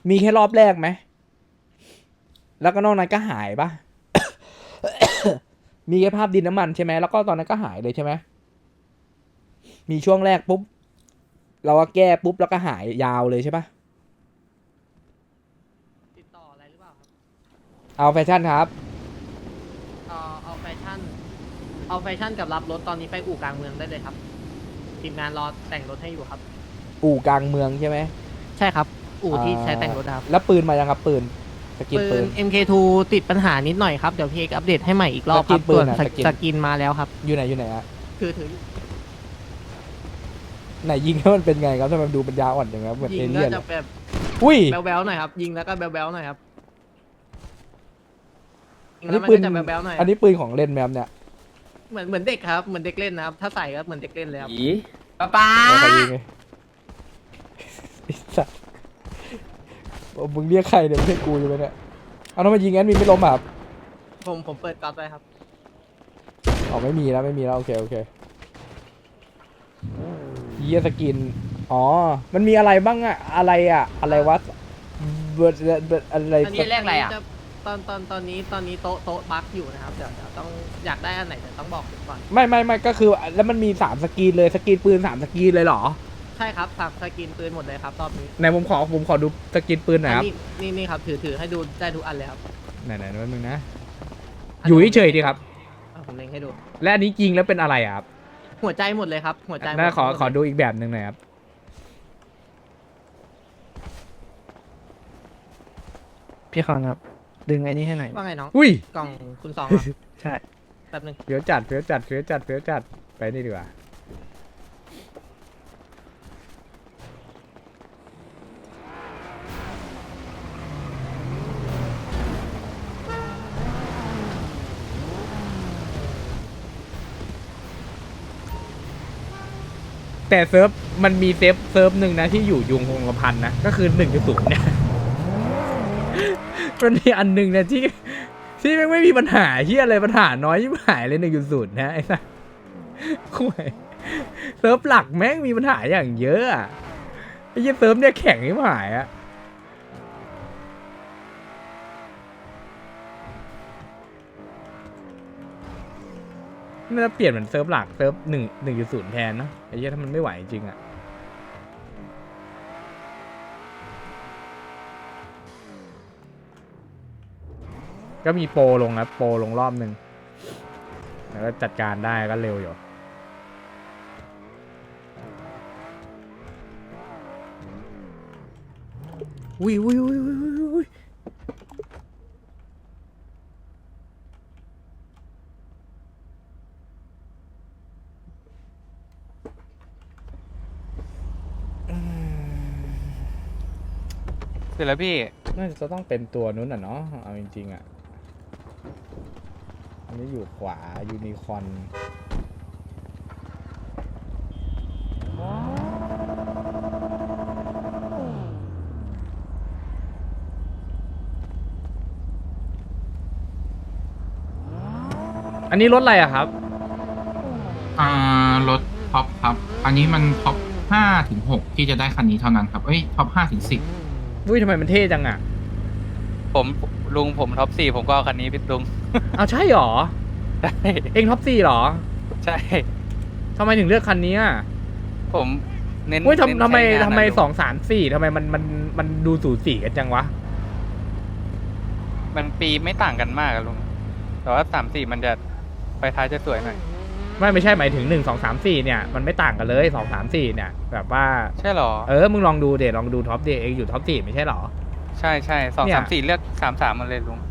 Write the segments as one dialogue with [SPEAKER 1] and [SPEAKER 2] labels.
[SPEAKER 1] มีแค่รอบแรกไหมแล้วก็นอกนั้นก็หายปะ มีแค่ภาพดินน้ำมันใช่ไหมแล้วก็ตอนนั้นก็หายเลยใช่ไหมมีช่วงแรกปุ๊บเราก็แก้ปุ๊บแล้วก็หายยาวเลยใช่ปะ
[SPEAKER 2] ติดต่ออะไรหรือเปล่าครับ
[SPEAKER 1] เอาแฟชั่นครับ
[SPEAKER 2] เอาแฟชั่น เอาแฟชั่นกับรับรถตอนนี้ไปอู่กลางเมืองได้เลยครับทีมงานรอแต่งรถให้อยู่ครับ
[SPEAKER 1] อู่กลางเมืองใช่ไหม
[SPEAKER 2] ใช่ครับ อู่ที่ใช้แต่งรถครับ
[SPEAKER 1] แล้วปืนมายังครับปืนสกิน
[SPEAKER 2] ปื
[SPEAKER 1] ปื
[SPEAKER 2] น
[SPEAKER 1] น
[SPEAKER 2] MK2 ติดปัญหานิดหน่อยครับ เดี๋ยวพี่เอกอัปเดตให้ใหม่อีกรอบครับ
[SPEAKER 1] สกินปื
[SPEAKER 2] ส่วน น
[SPEAKER 1] อะสกิน
[SPEAKER 2] สกินมาแล้วครับ
[SPEAKER 1] อยู่ไหนอะ
[SPEAKER 2] คือถือ
[SPEAKER 1] ไหนยิงแล้วมันเป็นไงครับทำไมมันดูปัญญาอ่อนอย่างเงี้ยเหมือน
[SPEAKER 2] ยิ
[SPEAKER 1] เอง
[SPEAKER 2] ก็
[SPEAKER 1] เลี่ยน
[SPEAKER 2] จะแบบ
[SPEAKER 1] อุ้ย
[SPEAKER 2] แบ๊วๆหน่อยครับ ยิงแล้วก็แบ๊วๆหน่อยครับยิง
[SPEAKER 1] อัน
[SPEAKER 2] แล้ว
[SPEAKER 1] นี้
[SPEAKER 2] มัน
[SPEAKER 1] ปื
[SPEAKER 2] ก็
[SPEAKER 1] น
[SPEAKER 2] จะแบ๊วๆหน่อย
[SPEAKER 1] อันนี้ปืนของเล่นแมมเนี่ย
[SPEAKER 2] เหมือนเด็กครับ เหมือนเด็กเล่นนะครับ ถ้าใส่ก็เหมือนเด็กเล่นเลยครับ
[SPEAKER 3] อีป้า
[SPEAKER 1] แล้วใครยิงไงไอ้สัสมึงเรียกใครเนี่ยไม่ใช่กูอยู่ไหมเนี่ยเอาทำไมยิงงั้นมีไม่ล้มอ่ะครับ
[SPEAKER 2] ผมเปิดก๊อตไว้ครับ
[SPEAKER 1] อ๋อไม่มีแล้วโอเคเยียสกินอ๋อมันมีอะไรบ้างอะอะไรวะเบิร์ดอะไร
[SPEAKER 2] อันนี้ตอนนี้โต๊ะบั๊กอยู่นะครับ เดี๋ยวต้องอยากได้อันไหนเดี๋ยวต้องบอกผมก่อน
[SPEAKER 1] ไม่ก็คือแล้วมันมี3สกรีนเลยสกรีนปืน3สกรีนเลยเหรอ
[SPEAKER 2] ใช่ครับสับสกินปืนหมดเลยครับรอบนี้
[SPEAKER 1] ไหนผมขอดูสกรีนปืนหน่อยครับ
[SPEAKER 2] นี่ครับถือให้ดูได้ทุกอันเลยครับ
[SPEAKER 1] ไหนแป๊บนึงนะอยู่เฉยๆดีครับ
[SPEAKER 2] ผมเล็งให้ดู
[SPEAKER 1] และอันนี้จริงแล้วเป็นอะไรอะครับ
[SPEAKER 2] หัวใจหมดเลยครับ หัวใจหมด
[SPEAKER 1] น่าขอดูอีกแบบหนึ่งหน่อยครับ
[SPEAKER 4] พี่คอนครับ ดึงไอ้นี่ให้หน่อย
[SPEAKER 2] ว่าไงน้อง
[SPEAKER 1] อุ้ย
[SPEAKER 2] กล่องคุณสองเหรอ
[SPEAKER 4] ใช่
[SPEAKER 2] แป๊บนึง
[SPEAKER 1] เฟี้ยวจัดไปนี่ดีกว่าแต่เซิร์ฟมันมีเซิร์ฟหนึ่งนะที่อยู่ยุงคงกระพันนะก็คือ1.0เนี่ย มันมีอันหนึ่งนะที่ไม่มีปัญหาที่อะไรปัญหาน้อยที่หายเลย1.0นะไอ้สัสคุยเซิร์ฟหลักแม่งมีปัญหาอย่างเยอะอะไอ้ยี่เซิร์ฟเนี่ยแข็งที่หายอะน่าจะเปลี่ยนเหมือนเซิร์ฟหลักเซิร์ฟ1.0แทนเนาะไอ้ยี่ถ้ามันไม่ไหวจริงอะก็มีโปรลงนะโปรลงรอบหนึ่งแล้วก็จัดการได้ก็เร็วอยู่อุ้ย
[SPEAKER 3] เสร็จแล้วพี่
[SPEAKER 1] น่าจะต้องเป็นตัวนู้นอ่ะเนาะเอาจริงๆอ่ะอันนี้อยู่ขวายูนิคอร์นอันนี้รถอะไรอะครับ
[SPEAKER 5] รถท็อปครับ อันนี้มันท็อป5 ถึง 6ที่จะได้คันนี้เท่านั้นครับเอ้ยท็อป5 ถึง 10
[SPEAKER 1] อุ้ยทำไมมันเท่จังอะ
[SPEAKER 3] ผมท็อป4ผมก็เอาคันนี้พี่ลุง
[SPEAKER 1] เอาใช่หรอ
[SPEAKER 3] ใช่
[SPEAKER 1] เองท็อป4หรอ
[SPEAKER 3] ใช่
[SPEAKER 1] ทำไมถึงเลือกคันนี้อะ
[SPEAKER 3] ผมเน้น
[SPEAKER 1] อุ้ย
[SPEAKER 3] เน้น
[SPEAKER 1] ทำไม
[SPEAKER 3] ใช้งานนะลุง
[SPEAKER 1] 2 3 4ทำไมมันดูสูสีกันจังวะ
[SPEAKER 3] มันปีไม่ต่างกันมากอะลุง แต่ว่า3 4มันจะไฟท้ายจะสวยหน่อย
[SPEAKER 1] ไม่ใช่หมายถึง1 2 3 4เนี่ยมันไม่ต่างกันเลย2 3 4เนี่ยแบบว่า
[SPEAKER 3] ใช่หรอ
[SPEAKER 1] มึงลองดูเดลองดูท็อปเดเองอยู่ท็อป4ไม่ใช่หรอ
[SPEAKER 3] ใช่2
[SPEAKER 1] เนี่ย
[SPEAKER 3] 3 4เลือก3 3มันเลยลุง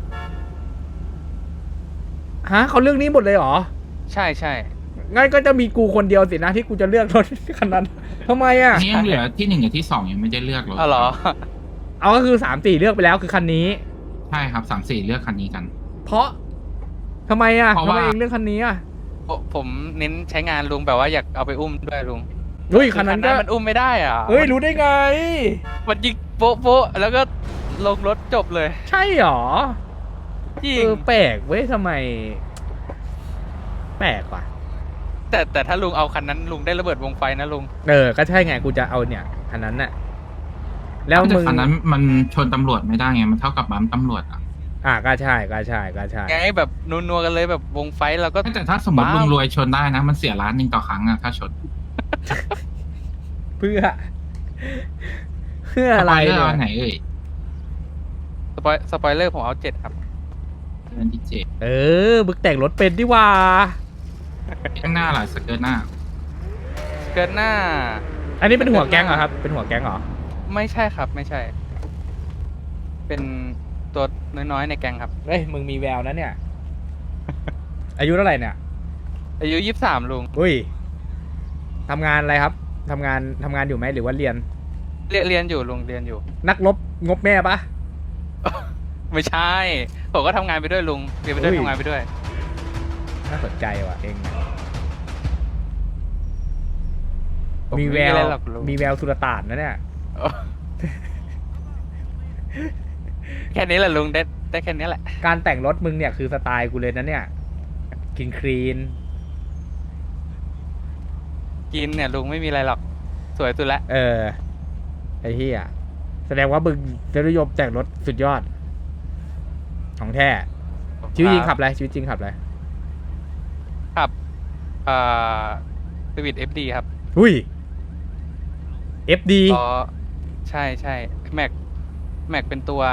[SPEAKER 1] ฮะเขาเลือกนี้หมดเลยเหรอ
[SPEAKER 3] ใช่
[SPEAKER 1] งั้นก็จะมีกูคนเดียวสินะที่กูจะเลือกรถคันนั้นทำไมอ่ะ
[SPEAKER 5] อันนี้ยังเหลือที่ 1 กับที่ 2ยังไม่ได้เลือกรถ
[SPEAKER 3] เอาเหรอ
[SPEAKER 1] เอาก็คือ3 4เลือกไปแล้วคือคันนี้
[SPEAKER 5] ใช่ครับ3 4เลือกคันนี้กัน
[SPEAKER 1] เพราะทำไมอ่ะ
[SPEAKER 5] เพราะ
[SPEAKER 1] ทำไม
[SPEAKER 5] ว่า
[SPEAKER 1] เองเลือกคันนี้อ่ะ
[SPEAKER 3] ผมเน้นใช้งานลุงแบบว่าอยากเอาไปอุ้มด้วยลุง
[SPEAKER 1] เฮ้ยคันนั้นก็
[SPEAKER 3] มันอุ้มไม่ได้อ่ะ
[SPEAKER 1] เฮ้ยรู้ได้ไง
[SPEAKER 3] มันยิงโป๊ะแล้วก็ลงรถจบเลย
[SPEAKER 1] ใช่หรอ
[SPEAKER 3] จริง
[SPEAKER 1] แปลกเว้ยทำไม แปลกว่ะ
[SPEAKER 3] แต่ถ้าลุงเอาคันนั้นลุงได้ระเบิดวงไฟนะลุง
[SPEAKER 1] ก็ใช่ไงกูจะเอาเนี่ยคันนั้นน่ะแล้ว
[SPEAKER 5] แต่
[SPEAKER 1] มึง
[SPEAKER 5] คันนั้นมันชนตำรวจไม่ได้ไงมันเท่ากับบัมป์ตำรวจอ่ะ
[SPEAKER 1] ก็ใช่ก็ใช่ก็ใช่
[SPEAKER 3] ไงแบบนัวๆกันเลยแบบวงไฟท์เราก็
[SPEAKER 5] แต่ถ้าสมมติ
[SPEAKER 3] บ้า
[SPEAKER 5] ลุงรวยชนได้นะ มันเสีย1,000,000ต่อครั้งอะถ้าชน
[SPEAKER 1] เพื่อ เพื่ออะไร
[SPEAKER 5] สปยเลอ
[SPEAKER 1] เนี่ย
[SPEAKER 5] อันไหนเอ่ย
[SPEAKER 3] สปอยเลอร์ผมเอา7ครับ
[SPEAKER 5] อันที่เจ็ด
[SPEAKER 1] มึงแต่งรถเป็นดิว่า
[SPEAKER 5] ข้างหน้าล่ะสเกิร์ตหน้า
[SPEAKER 3] เกินหน้า
[SPEAKER 1] อันนี้เป็นหัวแก๊งเหรอครับ เป็นหัวแก๊งเหรอ
[SPEAKER 3] ไม่ใช่ครับไม่ใช่ เป็นตัวน้อยๆในแกงครับ
[SPEAKER 1] เฮ้ยมึงมีแววนะเนี่ย อายุเท่าไหร่เนี่ย
[SPEAKER 3] อายุ23ลุง
[SPEAKER 1] อุ้ยทำงานอะไรครับทำงานอยู่ไหมหรือว่าเรียน
[SPEAKER 3] เรียนอยู่ลุงเรียนอยู่
[SPEAKER 1] นักรบงบแม่ปะ
[SPEAKER 3] ไม่ใช่ ผมก็ทำงานไปด้วยลุงเรียนไปด้วย
[SPEAKER 1] อุ้ย
[SPEAKER 3] ทำงานไปด้วย
[SPEAKER 1] น่าสนใจว่ะเองเนี่ย
[SPEAKER 3] ผม
[SPEAKER 1] มีแว
[SPEAKER 3] ไอะ
[SPEAKER 1] ว
[SPEAKER 3] ไรหรอกลุง
[SPEAKER 1] มีแววสุลต่านนะเนี่ย
[SPEAKER 3] แค่นี้แหละลุงได้แค่นี้แหละ
[SPEAKER 1] การแต่งรถมึงเนี่ยคือสไตล์กูเลยนะเนี่ยคลีน
[SPEAKER 3] กินเนี่ยลุงไม่มีอะไรหรอกสวยสุดละ
[SPEAKER 1] ไอ้เหี้ยแสดงว่ามึงจะนิยมแต่งรถสุดยอด ของแท้ชีวิตจริงขับอะไรชีวิตจริงขับอะไร
[SPEAKER 3] ขับสวิต FD ครับ
[SPEAKER 1] อุ้ย FD
[SPEAKER 3] อ๋อใช่ใช่แม็กเป็นตัว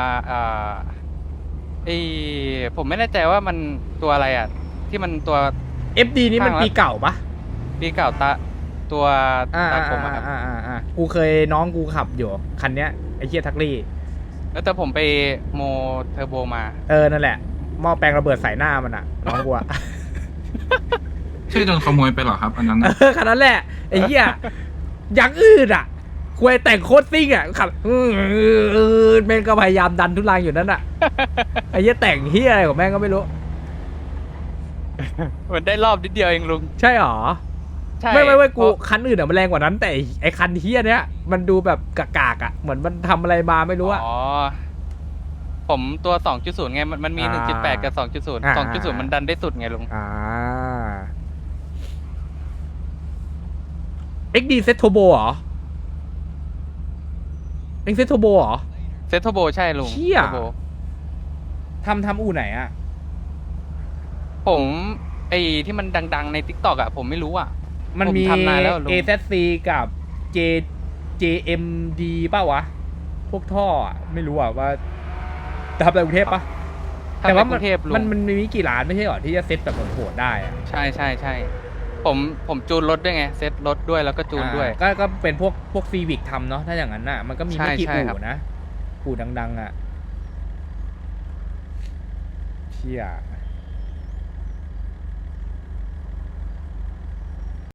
[SPEAKER 3] ผมไม่แน่ใจว่ามันตัวอะไรอ่ะ ที่มันตัว
[SPEAKER 1] FD นี่มัน
[SPEAKER 3] ข้างละ
[SPEAKER 1] ปีเก่าปะ
[SPEAKER 3] ปีเก่าตัว
[SPEAKER 1] อ่า
[SPEAKER 3] ตาผมอะครับ
[SPEAKER 1] กูเคยน้องกูขับอยู่คันเนี้ยไอ้เหี้ยทักลี่
[SPEAKER 3] แล้วแต่ผมไปโมเทอร์โบมา
[SPEAKER 1] นั่นแหละหม้อแปลงระเบิดใส่หน้ามันอ่ะ น้องกูอ่ะ
[SPEAKER 5] ใช่โดนขโมยไปเหรอครับ อันนั้นน่ะ
[SPEAKER 1] คันนั้นแหละไอ้เหี้ยอย่างอื่นอ่ะควยแต่งโคตรซิ่งอ่ะขับแม่งก็พยายามดันทุลังอยู่นั่นอ่ะ ไอ้เหี้ยแต่งเหี้ยอะไรของแม่งก็ไม่รู้
[SPEAKER 3] มันได้รอบนิดเดียวเองลุง
[SPEAKER 1] ใช่หรอ
[SPEAKER 3] ใช่
[SPEAKER 1] ไม่กู
[SPEAKER 3] เพราะ
[SPEAKER 1] คันอื่นอ่ะมันแรงกว่านั้น แต่ไอ้คันเหี้ยเนี้ยมันดูแบบกากๆอ่ะเหมือนมันทำอะไรมาไม่รู้อ่ะ
[SPEAKER 3] อ๋อผมตัว 2.0 ไงมันมี
[SPEAKER 1] อ่า
[SPEAKER 3] 1.8 กับ 2.0
[SPEAKER 1] อ่า
[SPEAKER 3] 2.0 มันดันได้สุดไงลุง
[SPEAKER 1] XD เซ็ตโทโบเหรอเอ็งเซ็ตโทโบเหรอ
[SPEAKER 3] เซตโทโบใช่ลุง
[SPEAKER 1] เชี่ย
[SPEAKER 3] เทอร์โบ
[SPEAKER 1] ทำอู่ไหนอ่ะ
[SPEAKER 3] ผมที่มันดังๆใน TikTok อ่ะผมไม่รู้อ่ะ
[SPEAKER 1] มันมี
[SPEAKER 3] ผมทำนานแล้วลุง
[SPEAKER 1] AZC กับ JMD ป่าวะ พวกท่ออะไม่รู้อ่ะว่าทำในกรุงเทพปะ
[SPEAKER 3] ถ้
[SPEAKER 1] แต่ว่า
[SPEAKER 3] ในกรุงเทพลุง
[SPEAKER 1] มันมีกี่ร้านไม่ใช่หรอที่จะเซ็ตแบบโหดๆได้อะ
[SPEAKER 3] ใช่ใช่ใช่ผมจูนรถด้วยไงเซตรถด้วยแล้วก็จูนด้วย
[SPEAKER 1] ก็เป็นพวกซีวิกทำเนาะถ้าอย่างนั้นน่ะมันก็มีไม่กี่
[SPEAKER 3] ใช่ครับ
[SPEAKER 1] อู่นะอู่ดังๆอ่ะเชี่ย